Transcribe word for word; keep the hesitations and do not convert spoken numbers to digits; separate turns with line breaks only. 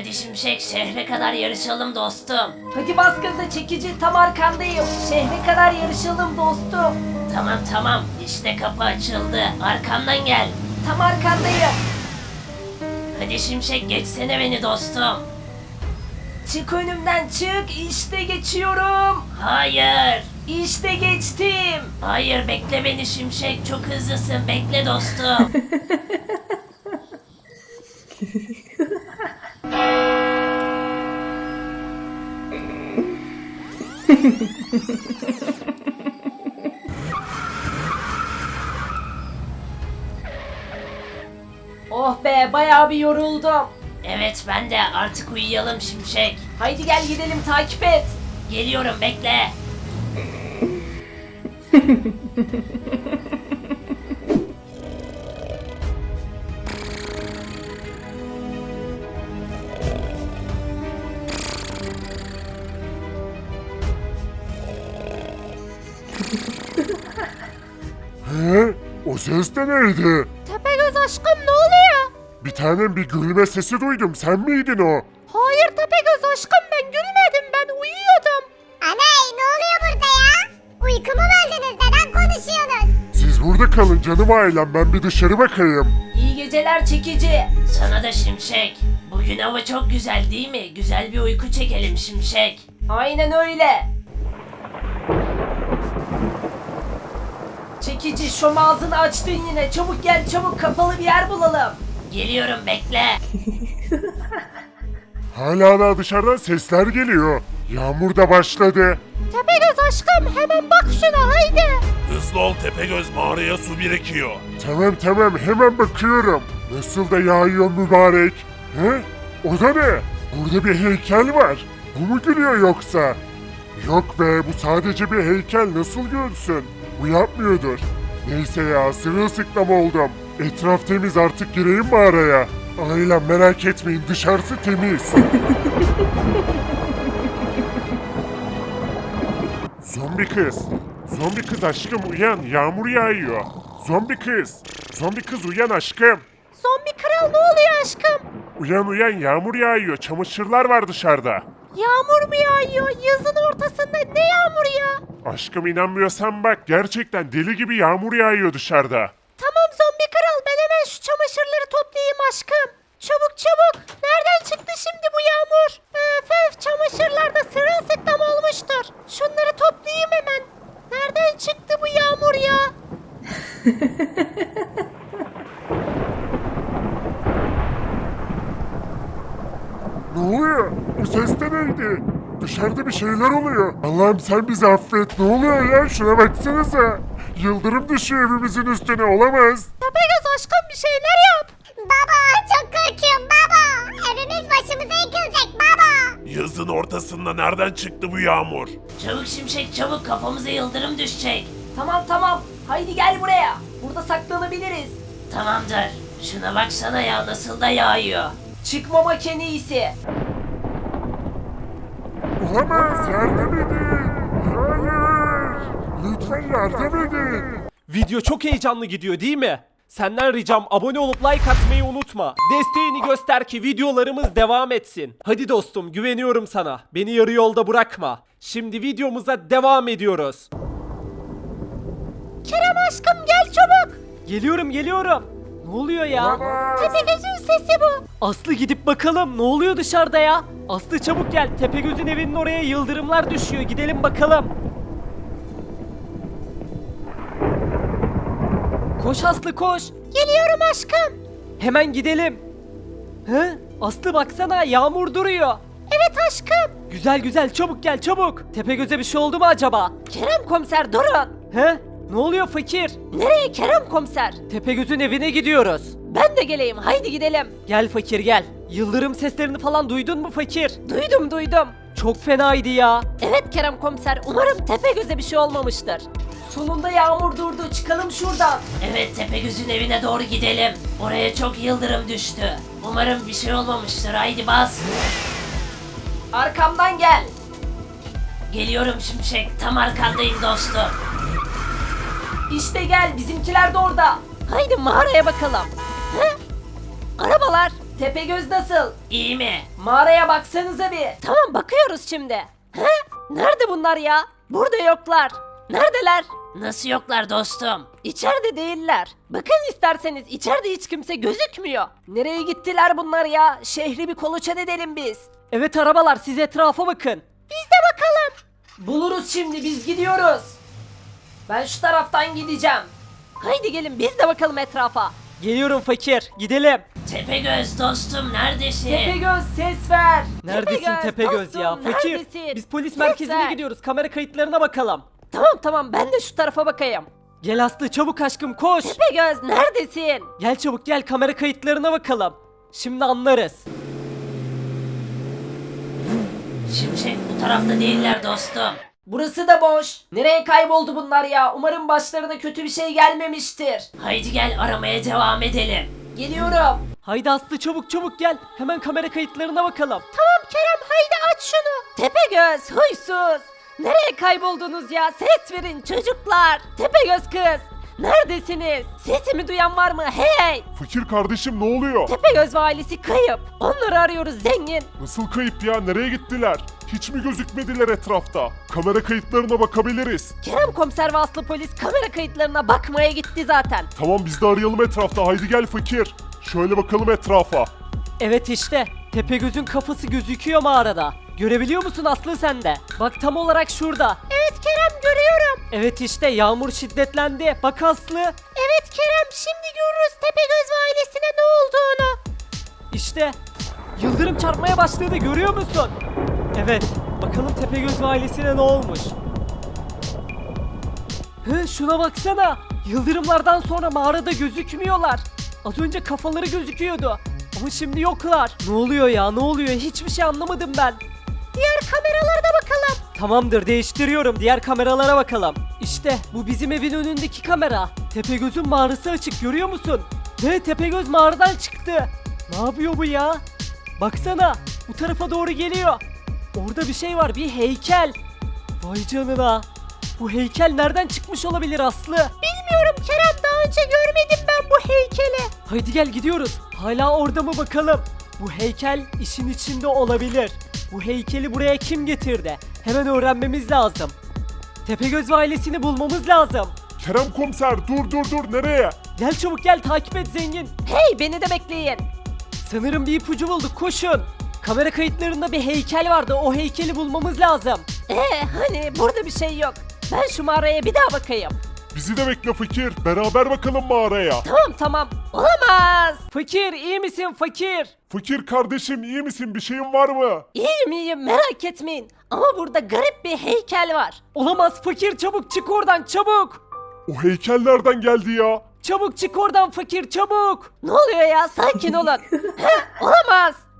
Hadi Şimşek, şehre kadar yarışalım dostum.
Hadi bas gaza çekici, tam arkandayım. Şehre kadar yarışalım dostum.
Tamam tamam, işte kapı açıldı. Arkamdan gel.
Tam arkandayım.
Hadi Şimşek, geçsene beni dostum.
Çık önümden çık, işte geçiyorum.
Hayır.
İşte geçtim.
Hayır, bekle beni Şimşek, çok hızlısın, bekle dostum.
Oh be, bayağı bir yoruldum.
Evet, ben de, artık uyuyalım Şimşek.
Haydi gel gidelim, takip et.
Geliyorum, bekle.
He? O ses de neydi?
Tepegöz aşkım ne oluyor?
Bir tanem bir gülme sesi duydum. Sen miydin o?
Hayır Tepegöz aşkım ben gülmedim ben uyuyordum.
Aney ne oluyor burada ya? Uykumu böldünüz neden konuşuyorsunuz?
Siz burada kalın canım ailem. Ben bir dışarı bakayım.
İyi geceler çekici.
Sana da Şimşek. Bugün hava çok güzel değil mi? Güzel bir uyku çekelim Şimşek.
Aynen öyle. Çekici, şom ağzını açtın yine. Çabuk gel, çabuk kapalı bir yer bulalım.
Geliyorum, bekle.
Hala da dışarıdan sesler geliyor. Yağmur da başladı.
Tepegöz aşkım hemen bak şuna haydi.
Hızlı ol Tepegöz, mağaraya su birikiyor.
Tamam tamam hemen bakıyorum. Nasıl da yağıyor mübarek. He? O da ne? Burada bir heykel var. Bu mu gülüyor yoksa? Yok be, bu sadece bir heykel, nasıl gülsün? Bu yapmıyordur. Neyse ya, sırılsıklam oldum. Etraf temiz, artık gireyim mağaraya. Ailem merak etmeyin, dışarısı temiz. Zombi kız. Zombi kız aşkım uyan, yağmur yağıyor. Zombi kız. Zombi kız uyan aşkım.
Zombi kral ne oluyor aşkım?
Uyan uyan, yağmur yağıyor, çamaşırlar var dışarıda.
Yağmur mu yağıyor? Yazın ortasında ne yağmuru ya?
Aşkım inanmıyorsan bak, gerçekten deli gibi yağmur yağıyor dışarıda.
Tamam zombi kral ben hemen şu çamaşırları toplayayım aşkım. Çabuk çabuk. Nereden çıktı şimdi bu yağmur? Öf öf çamaşırlar da sırılsıklam olmuştur. Şunları toplayayım hemen. Nereden çıktı bu yağmur ya?
Ne oluyor? Bu ses de neydi? Dışarıda bir şeyler oluyor. Allah'ım sen bizi affet. Ne oluyor ya? Şuna baksanıza. Yıldırım düşüyor evimizin üstüne, olamaz.
Tepegöz aşkım bir şeyler yap.
Baba çok korkuyorum baba. Evimiz başımıza yıkılacak baba.
Yazın ortasında nereden çıktı bu yağmur?
Çabuk Şimşek, çabuk, kafamıza yıldırım düşecek.
Tamam tamam, haydi gel buraya. Burada saklanabiliriz.
Tamamdır. Şuna baksana ya, nasıl da yağıyor.
Çıkmamak en iyisi.
Olamaz, yardım edin. Hayır. Lütfen yardım edin.
Video çok heyecanlı gidiyor değil mi? Senden ricam abone olup like atmayı unutma. Desteğini göster ki videolarımız devam etsin. Hadi dostum, güveniyorum sana. Beni yarı yolda bırakma. Şimdi videomuza devam ediyoruz.
Kerem aşkım gel çabuk.
Geliyorum geliyorum. Ne oluyor ya?
Olamaz.
Tepegöz'ün sesi bu.
Aslı gidip bakalım ne oluyor dışarıda ya? Aslı çabuk gel. Tepegöz'ün evinin oraya yıldırımlar düşüyor. Gidelim bakalım. Koş Aslı koş.
Geliyorum aşkım.
Hemen gidelim. He? Aslı baksana yağmur duruyor.
Evet aşkım.
Güzel güzel çabuk gel çabuk. Tepegöz'e bir şey oldu mu acaba?
Kerem komiser durun.
He? Ne oluyor fakir?
Nereye Kerem komiser?
Tepegöz'ün evine gidiyoruz.
Ben de geleyim, haydi gidelim.
Gel fakir gel. Yıldırım seslerini falan duydun mu fakir?
Duydum duydum.
Çok fenaydı ya.
Evet Kerem komiser, umarım Tepegöz'e bir şey olmamıştır. Sonunda yağmur durdu, çıkalım şuradan.
Evet, Tepegöz'ün evine doğru gidelim. Oraya çok yıldırım düştü. Umarım bir şey olmamıştır, haydi bas.
Arkamdan gel.
Geliyorum Şimşek, tam arkandayım dostum.
İşte gel, bizimkiler de orada. Haydi mağaraya bakalım. Hı? Arabalar. Tepegöz nasıl?
İyi mi?
Mağaraya baksanıza bir. Tamam bakıyoruz şimdi. He? Nerede bunlar ya? Burada yoklar. Neredeler?
Nasıl yoklar dostum?
İçeride değiller. Bakın isterseniz içeride hiç kimse gözükmüyor. Nereye gittiler bunlar ya? Şehri bir kolaçan edelim biz. Evet arabalar siz etrafa bakın.
Biz de bakalım.
Buluruz şimdi biz gidiyoruz. Ben şu taraftan gideceğim. Haydi gelin biz de bakalım etrafa. Geliyorum fakir gidelim.
Tepegöz dostum neredesin?
Tepegöz ses ver.
Neredesin Tepegöz ya?
dostum,
Fakir.
neredesin?
Biz polis
Ses
merkezine
ver.
gidiyoruz. Kamera kayıtlarına bakalım.
Tamam tamam ben de şu tarafa bakayım.
Gel Aslı çabuk aşkım koş.
Tepegöz neredesin?
Gel çabuk gel kamera kayıtlarına bakalım. Şimdi anlarız.
Şimşek bu tarafta değiller dostum.
Burası da boş. Nereye kayboldu bunlar ya? Umarım başlarına kötü bir şey gelmemiştir.
Haydi gel aramaya devam edelim.
Geliyorum.
Haydi Aslı çabuk çabuk gel. Hemen kamera kayıtlarına bakalım.
Tamam Kerem haydi aç şunu.
Tepegöz huysuz. Nereye kayboldunuz ya? Ses verin çocuklar. Tepegöz kız. Neredesiniz? Sesimi duyan var mı? Hey!
Fakir kardeşim ne oluyor?
Tepegöz ve ailesi kayıp. Onları arıyoruz zengin.
Nasıl kayıp ya? Nereye gittiler? Hiç mi gözükmediler etrafta? Kamera kayıtlarına bakabiliriz.
Kerem komiser ve Aslı polis kamera kayıtlarına bakmaya gitti zaten.
Tamam biz de arayalım etrafta. Haydi gel fakir. Şöyle bakalım etrafa.
Evet işte. Tepegöz'ün kafası gözüküyor mağarada. Görebiliyor musun Aslı sen de? Bak tam olarak şurada.
Evet Kerem görüyorum.
Evet işte yağmur şiddetlendi. Bak Aslı.
Evet Kerem şimdi görürüz Tepegöz ve ailesine ne olduğunu.
İşte yıldırım çarpmaya başladı görüyor musun? Evet bakalım Tepegöz ve ailesine ne olmuş? Hı, şuna baksana. Yıldırımlardan sonra mağarada gözükmüyorlar. Az önce kafaları gözüküyordu. Ama şimdi yoklar. Ne oluyor ya ne oluyor hiçbir şey anlamadım ben.
Diğer kameralara da bakalım.
Tamamdır değiştiriyorum diğer kameralara bakalım. İşte bu bizim evin önündeki kamera. Tepegöz'ün mağarası açık görüyor musun? Ve Tepegöz mağaradan çıktı. Ne yapıyor bu ya? Baksana bu tarafa doğru geliyor. Orada bir şey var bir heykel. Vay canına. Bu heykel nereden çıkmış olabilir Aslı?
Bilmiyorum Kerem daha önce görmedim ben bu heykeli.
Haydi gel gidiyoruz. Hala orada mı bakalım? Bu heykel işin içinde olabilir. Bu heykeli buraya kim getirdi? Hemen öğrenmemiz lazım. Tepegöz ve ailesini bulmamız lazım.
Kerem komiser dur dur dur nereye?
Gel çabuk gel takip et zengin.
Hey beni de bekleyin.
Sanırım bir ipucu bulduk koşun. Kamera kayıtlarında bir heykel vardı. O heykeli bulmamız lazım.
Ee hani burada bir şey yok. Ben şu mağaraya bir daha bakayım.
Bizi de bekle fakir. Beraber bakalım mağaraya.
Tamam tamam. Olamaz.
Fakir iyi misin fakir?
Fakir kardeşim iyi misin? Bir şeyin var mı?
İyiyim iyiyim merak etmeyin. Ama burada garip bir heykel var.
Olamaz fakir çabuk çık oradan çabuk.
O heykel nereden geldi ya?
Çabuk çık oradan fakir çabuk.
Ne oluyor ya sakin olun. Heh, olamaz.